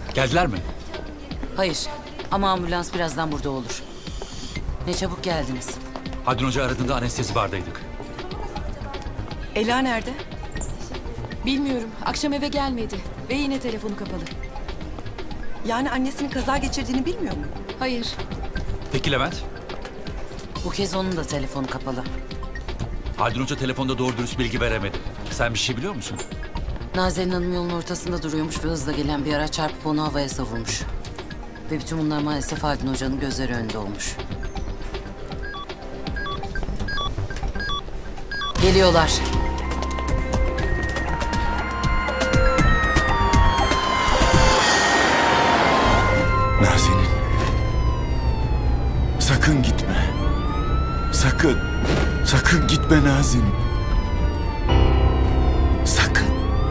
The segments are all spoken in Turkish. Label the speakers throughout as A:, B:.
A: Geldiler mi?
B: Hayır ama ambulans birazdan burada olur. Ne çabuk geldiniz.
A: Haldun Hoca aradığında anestezi bardaydık.
C: Ela nerede?
D: Bilmiyorum. Akşam eve gelmedi. Ve yine telefonu kapalı.
C: Yani annesinin kaza geçirdiğini bilmiyor mu?
D: Hayır.
A: Peki Levent?
B: Bu kez onun da telefonu kapalı.
A: Haldun Hoca telefonda doğru dürüst bilgi veremedi. Sen bir şey biliyor musun?
B: Nazenin Hanım yolun ortasında duruyormuş ve hızla gelen bir araç çarpıp onu havaya savurmuş. Ve bütün bunlar maalesef Haldun Hoca'nın gözleri önünde olmuş. Geliyorlar.
E: Nazenin. Sakın gitme. Sakın. Sakın gitme Nazenin. Sakın.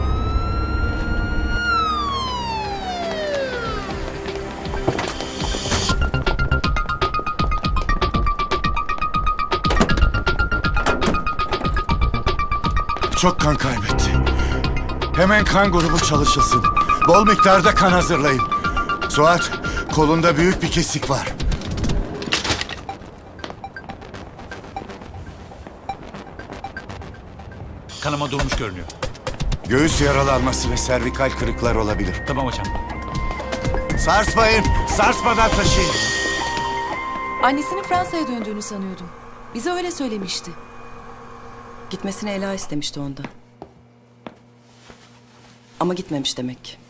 E: Çok kan kaybetti. Hemen kan grubu çalışılsın. Bol miktarda kan hazırlayın. Suat, kolunda büyük bir kesik var.
A: Kanama durmuş görünüyor.
E: Göğüs yaralanması ve servikal kırıklar olabilir.
A: Tamam hocam.
E: Sarsmayın, sarsmadan taşıyın.
D: Annesinin Fransa'ya döndüğünü sanıyordum. Bize öyle söylemişti.
C: Gitmesini Ela istemişti ondan. Ama gitmemiş demek ki.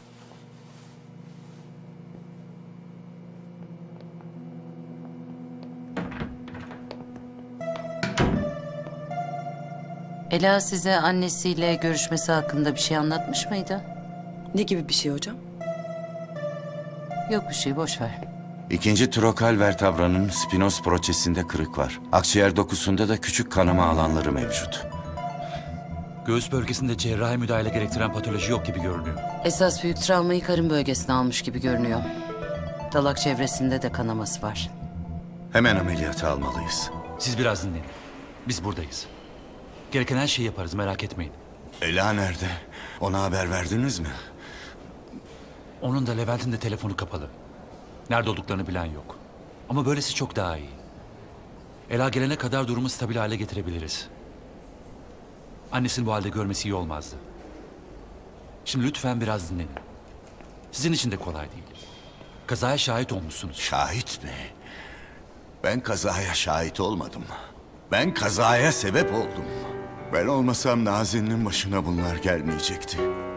B: Ela size annesiyle görüşmesi hakkında bir şey anlatmış mıydı?
C: Ne gibi bir şey hocam?
B: Yok bir şey, boş ver.
E: İkinci trokal vertebranın spinos proçesinde kırık var. Akciğer dokusunda da küçük kanama alanları mevcut.
A: Göğüs bölgesinde cerrahi müdahale gerektiren patoloji yok gibi görünüyor.
B: Esas büyük travmayı karın bölgesine almış gibi görünüyor. Dalak çevresinde de kanaması var.
E: Hemen ameliyata almalıyız.
A: Siz biraz dinleyin. Biz buradayız. Gereken her şeyi yaparız, merak etmeyin.
E: Ela nerede? Ona haber verdiniz mi?
A: Onun da Levent'in de telefonu kapalı. Nerede olduklarını bilen yok. Ama böylesi çok daha iyi. Ela gelene kadar durumu stabil hale getirebiliriz. Annesini bu halde görmesi iyi olmazdı. Şimdi lütfen biraz dinlenin. Sizin için de kolay değil. Kazaya şahit olmuşsunuz.
E: Şahit mi? Ben kazaya şahit olmadım. Ben kazaya sebep oldum. Ben olmasam Nazen'in başına bunlar gelmeyecekti.